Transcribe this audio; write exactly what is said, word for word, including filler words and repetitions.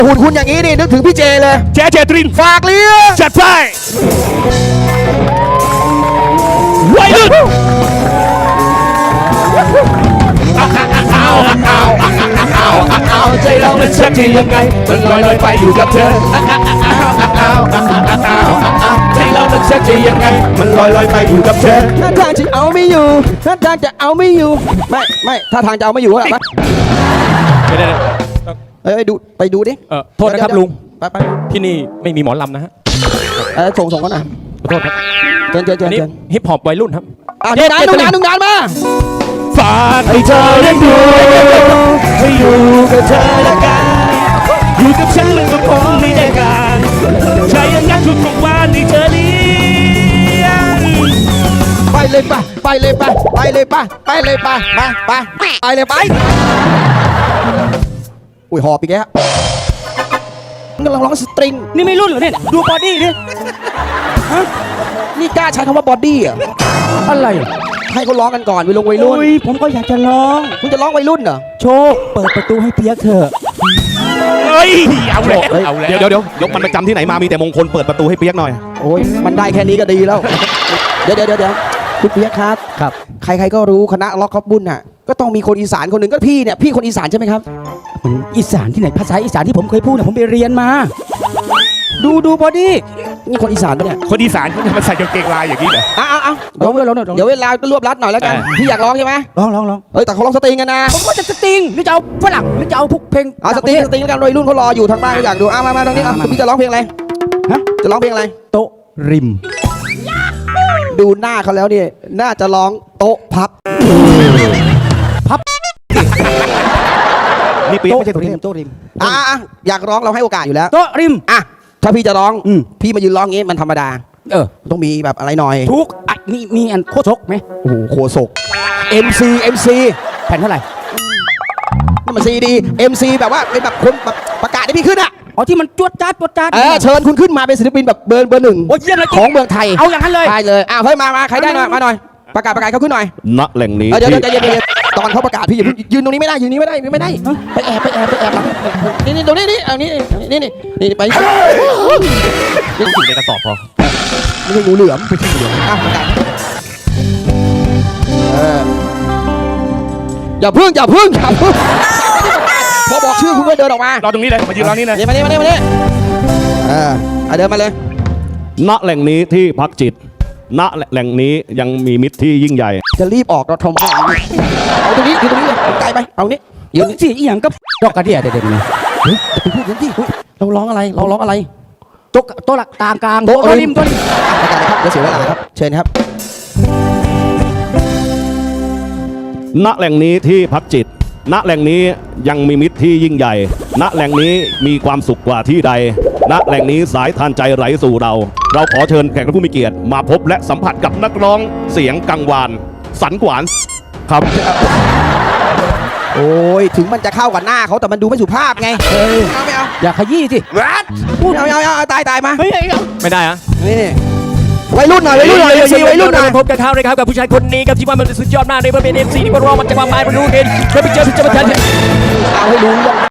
หุ่นคุณอย่างนี้นี่นึกถึงพี่เจเลยเจเจตรินฝากเลี้ยงจัดไปวัยรุ่นใจเรามันชักจะยังไงมันลอยลอยไปอยู่กับเธอใจเรามันชักจะยังไงมันลอยลอยไปอยู่กับเธอท่าทางจะเอาไม่อยู่ท่าทางจะเอาไม่อยู่ไม่ไม่ท่าทางจะเอาไม่อยู่อะไรปะเอ้ยดูไปดูดิเออโทษนะครับลุงไปไปที่นี่ไม่มีหมอลำนะฮะเออส่งส่งกันหน่อยขอโทษครับเชิญเชิญเชิญนี่ฮิปฮอปวัยรุ่นครับอ่ะเดี๋ยวนะดูนานดูนานมาฝากให้เธอได้ดูให้อยู่กับเธอละกันอยู่กับฉันมันก็คงไม่ได้การใช่ยังงั้นทุกทุกวันที่เธอเลี้ยงไปเลยป่ะไปเลยป่ะไปเลยป่ะไปเลยป่ะมาไปไปเลยไปอุ้ยหอบอีกแล้วกำลังร้องสตริงนี่ไม่รุ่นเหรอเนี่ยดูบอดี้ดิฮะนี่กล้าใช้คำว่าบอดี้อ่ะอะไรให้เขาร้องกันก่อนวัยรุ่นวัยรุ่นผมก็อยากจะร้องคุณจะร้องวัยรุ่นเหรอโชคเปิดประตูให้เปียกเถอะเฮ้ยเอาแล้วเอาแล้วเดี๋ยวเดี๋ยวยกมันไปจำที่ไหนมามีแต่มงคลเปิดประตูให้เปียกหน่อยโอ้ยมันได้แค่นี้ก็ดีแล้วเดี๋ยวเดี๋ยวเดี๋ยวคุณเปียกครับครับใครๆก็รู้คณะล็อกคอปบุญน่ะก็ต้องมีคนอีสานคนหนึ่งก็พี่เนี่ยพี่คนอีสานใช่ไหมครับอีสานที่ไหนภาษาอีสานที่ผมเคยพูดเนี่ยผมไปเรียนมาดูดูบอดี้นี่คนอีสานปะเนี่ยคนอีสานเขาจะมาใส่กางเกงลายอย่างนี้เหรออ้าวอ้าวเดี๋ยวเดี๋ยวเวลารวบรัดหน่อยแล้วกันพี่อยากร้องใช่ไหมร้องร้องร้องเฮ้ยแต่เขาร้องสตริงกันนะผมก็จะสตริงหรือจะเอาฝรั่งหรือจะเอาพวกเพลงเอาสตริงสตริงแล้วกันวัยรุ่นเขารออยู่ทางบ้านเขาอยากดูอ้าวมามาตรงนี้อ่ะพี่จะร้องเพลงอะไรฮะจะร้องเพลงอะไรโต๊ะริมดูหน้าเขาแล้วเนี่ยน่าจะร้องโต๊ะพับพับนี่ปีไม่ใช่โต๊ะริมโต๊ะริมอ่ะอยากร้องเราให้โอกาสอยู่แล้วโต๊ะริมอ่ะถ้าพี่จะร้องพี่มายืนร้องงี้มันธรรมดาเออต้องมีแบบอะไรหน่อยทุกอ่ะมีมีอันโคศกไหมโอ้โหโคศก เอ็ม ซี เอ็ม ซีแผ่นเท่าไหร่นี่มันซีดี เอ็ม ซี แบบว่าเป็นแบบคนแบบประกาศให้พี่ขึ้นอ่ะอ๋อที่มันจวดจ้าจวดจ้าเออเชิญคุณขึ้นมาเป็นศิลปินแบบเบอร์เบอร์หนึ่งของเมืองไทยเอาอย่างนั้นเลยใช่เลยอ้าวเฮ้ยมามาใครได้หน่อยมาหน่อยประกาศประกาศเขาขึ้นหน่อยณแหล่งนี้เดี๋ยวเดี๋ยวเดี๋ยวตอนเขาประกาศพี่อย่ายืนตรงนี้ไม่ได้ยืนนี้ไม่ได้ไม่ได้ไปแอบไปแอบไปแอบนี่นี่ตรงนี้นี่เอานี่นี่นี่นี่ไปนี่ถึงในกระสอบพอไม่ใช่งูเหลือมไม่ใช่งูเหลือมอ้าวประกาศอย่าพึ่งอย่าพึ่งอย่าพึ่งพอบอกชื่อคุณก็เดินออกมารอตรงนี้เลยมายืนรอนี่เลยมานี่มานี่มานี่เออเดินมาเลยณแหล่งนี้ที่พักจิตณแหล่งนี้ยังมีมิตรที่ยิ่งใหญ่จะรีบออกเราทำไมเอาตรงนี้อยู่ตรงนี้เลยไกลไปเอานี้ยืนสิอีหยังก็ดอกกระเดียเด็ดๆเลยเฮ้ยจะไปพูดกันที่เราร้องอะไรเราร้องอะไรโต๊ะโต๊ะหลักตางกลางโต๊ะริมโต๊ะริมประกาศครับเดี๋ยวเสียเวลาครับเชิญครับณแหล่งนี้ที่พักจิตณแหล่งนี้ยังมีมิตรที่ยิ่งใหญ่ณแหล่งนี้มีความสุขกว่าที่ใดณแหล่งนี้สายทานใจไหลสู่เราเราขอเชิญแขกผู้มีเกียรติมาพบและสัมผัสกับนักร้องเสียงกังวานสันขวานครับโอ้ยถึงมันจะเข้ากับหน้าเขาแต่มันดูไม่สุภาพไงเออเอาไม่เอาอย่าขยี้สิพูดเอาเอาเอาตายตายมาไม่ได้อะนี่วัยรุ่นหน่อยวัยรุ่นหน่อยวัยรุ่นหน่อยพบกับเขาเลยครับกับผู้ชายคนนี้กับที่ว่ามันสุดยอดมากในประเพณีเอ็มซีที่มันร้องมันจะมาไม้มันรู้เห็นเคยไปเจอที่จะมาเจอเอาให้รู้